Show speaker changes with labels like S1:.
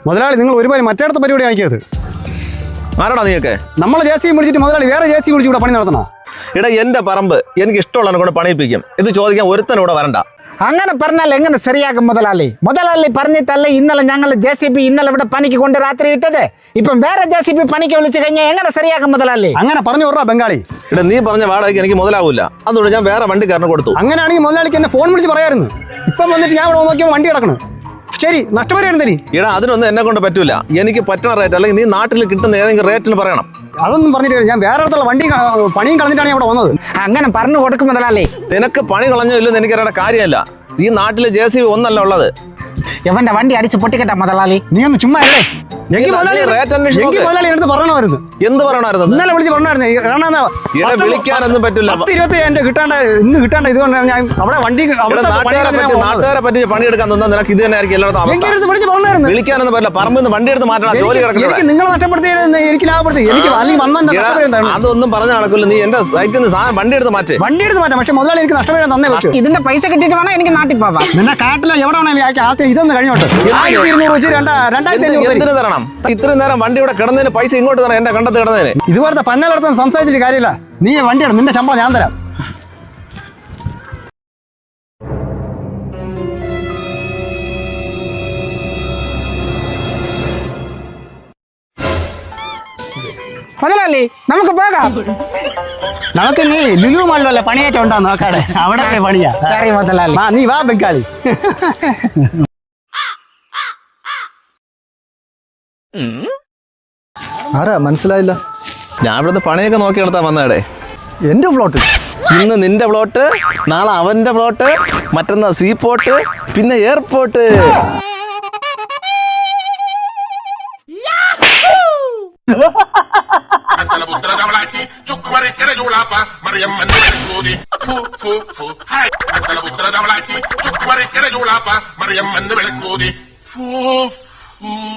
S1: മുതലാളി നിങ്ങൾ ഒരുപാട് മറ്റേടത്തെ പരിപാടി കാണിക്കരുത്.
S2: ആരാടാ നീയൊക്കെ?
S1: നമ്മളെ ജേസി വിളിച്ചിട്ട് മുതലാളി വേറെ ജേസി വിളിച്ച് ഇവിടെ പണി നടത്തണോ?
S2: എടാ എന്റെ പറമ്പ് എനിക്ക് ഇഷ്ടമുള്ളതിനെ കൊണ്ട് പണിയിപ്പിക്കും. ഇത് ചോദിക്കാൻ ഒരുത്തനും ഇവിടെ വരണ്ട.
S3: അങ്ങനെ പറഞ്ഞാൽ എങ്ങനെ ശരിയാകും മുതലാളി? മുതലാളി പറഞ്ഞിട്ടല്ലേ ഇന്നലെ ഞങ്ങൾ JCB ഇന്നലെ ഇവിടെ പണിക്ക് കൊണ്ട് രാത്രി ഇട്ടത്. ഇപ്പം വേറെ JCB പണിക്ക് വിളിച്ചു കഴിഞ്ഞാൽ എങ്ങനെ ശരിയാകും മുതലാളി?
S1: അങ്ങനെ പറഞ്ഞു വിടാ ബംഗാളി.
S2: ഇവിടെ നീ പറഞ്ഞ വാടകയ്ക്ക് എനിക്ക് മുതലാവില്ല. അതുകൊണ്ട് ഞാൻ വേറെ വണ്ടിക്കാരന് കൊടുത്തു.
S1: അങ്ങനെയാണെങ്കിൽ മുതലാളിക്ക് എന്നെ ഫോൺ വിളിച്ച് പറയായിരുന്നു. ഇപ്പം വന്നിട്ട് ഞാൻ ഇവിടെ നോക്കിയപ്പോൾ വണ്ടി കിടക്കണം. ശരി, നഷ്ടപരിഹാരം തരി.
S2: ഇടാ അതിനൊന്നും എന്നെ കൊണ്ട് പറ്റൂല. എനിക്ക് പറ്റുന്ന റേറ്റ് അല്ലെങ്കിൽ നീ നാട്ടിൽ കിട്ടുന്ന ഏതെങ്കിലും റേറ്റിന് പറയണം.
S1: അതൊന്നും പറഞ്ഞിട്ട് ഞാൻ വേറെ അടുത്തുള്ള വണ്ടി പണിയും കളഞ്ഞിട്ടാണ് ഇവിടെ വന്നത്.
S3: അങ്ങനെ പറഞ്ഞു കൊടുക്കും മുതലാളി.
S2: നിനക്ക് പണി കളഞ്ഞോ ഇല്ലെന്ന് എനിക്കറിയേണ്ട കാര്യമല്ല. ഈ നാട്ടില് JCB ഒന്നല്ല ഉള്ളത്.
S3: ഇവന്റെ വണ്ടി അടിച്ച് പൊട്ടിക്കട്ടെ മുതലാളി.
S1: നീ ഒന്ന് ചുമ്മാ അല്ലേ?
S2: മുതലാളി
S1: എടുത്ത് പറയണമായിരുന്നു.
S2: എന്ത് പറയണമായിരുന്നു?
S1: ഇന്നലെ വിളിച്ച് പറഞ്ഞായിരുന്നു.
S2: വിളിക്കാനൊന്നും പറ്റില്ല.
S1: 10-20 ഇന്ന് കിട്ടാണ്ട ഇതുകൊണ്ടാണ് ഞാൻ അവിടെ വണ്ടി
S2: നാട്ടുകാരെ പറ്റി പണിയെടുക്കാൻ തന്നാൽ നിനക്ക് ഇത് തന്നെ ആയിരിക്കും എല്ലായിടത്തും
S1: വിളിച്ച് പറഞ്ഞായിരുന്നു.
S2: വിളിക്കാനൊന്നും പറ്റില്ല. പറമ്പിൽ നിന്ന് വണ്ടി എടുത്ത് മാറ്റണം. ജോലി കിടക്കുന്നത്
S1: നിങ്ങൾ നഷ്ടപ്പെടുത്തിയത് എനിക്ക് ലാഭപ്പെടുത്തി. എനിക്ക്
S2: അതൊന്നും പറഞ്ഞ നടക്കില്ല. നീ എന്റെ സൈറ്റിൽ നിന്ന് വണ്ടി എടുത്ത് മാറ്റാം. പക്ഷെ
S1: മുതലാളി എനിക്ക് നഷ്ടപരിഹാരം തന്നെ പറ്റും.
S3: ഇതിന്റെ പൈസ കിട്ടിയിട്ട് വേണം എനിക്ക് നാട്ടിൽ പോവാം.
S1: നിന്നെ കാട്ടിലോ എവിടെ വേണമെങ്കിലും ഇതൊന്ന് കഴിഞ്ഞോട്ട് 1200 വെച്ച് 2500
S2: എന്തിനു തരണം? ഇത്രയും നേരം വണ്ടി ഇവിടെ കിടന്നതിന് പൈസ ഇങ്ങോട്ട് തരാം. എന്റെ കണ്ടത്ത് കിടന്നതിന്
S1: ഇതുപോലത്തെ പന്നലടത്ത് സംസാരിച്ചിട്ട് കാര്യമില്ല. നീ വണ്ടിയാണ്, നിന്റെ ശമ്പളം ഞാൻ തരാം.
S3: മുതലാളി നമുക്ക് പോകാം.
S1: നമുക്ക് നീ ലുലു മാളിലല്ല പണിയേറ്റം ഉണ്ടാ നോക്കാടെ. അവിടെ പണിയാ.
S3: സോറി മുതലാളി.
S1: നീ വാ ബംഗാളി.
S4: ആരാ മനസ്സിലായില്ല?
S2: ഞാൻ ഇവിടുത്തെ പണിയൊക്കെ നോക്കി എടുത്താ വന്നേടെ.
S4: എന്റെ പ്ലോട്ട്.
S2: ഇന്ന് നിന്റെ പ്ലോട്ട്, നാളെ അവന്റെ പ്ലോട്ട്, മറ്റന്നാ സീ പോർട്ട്, പിന്നെ എയർപോർട്ട്.
S5: Meriam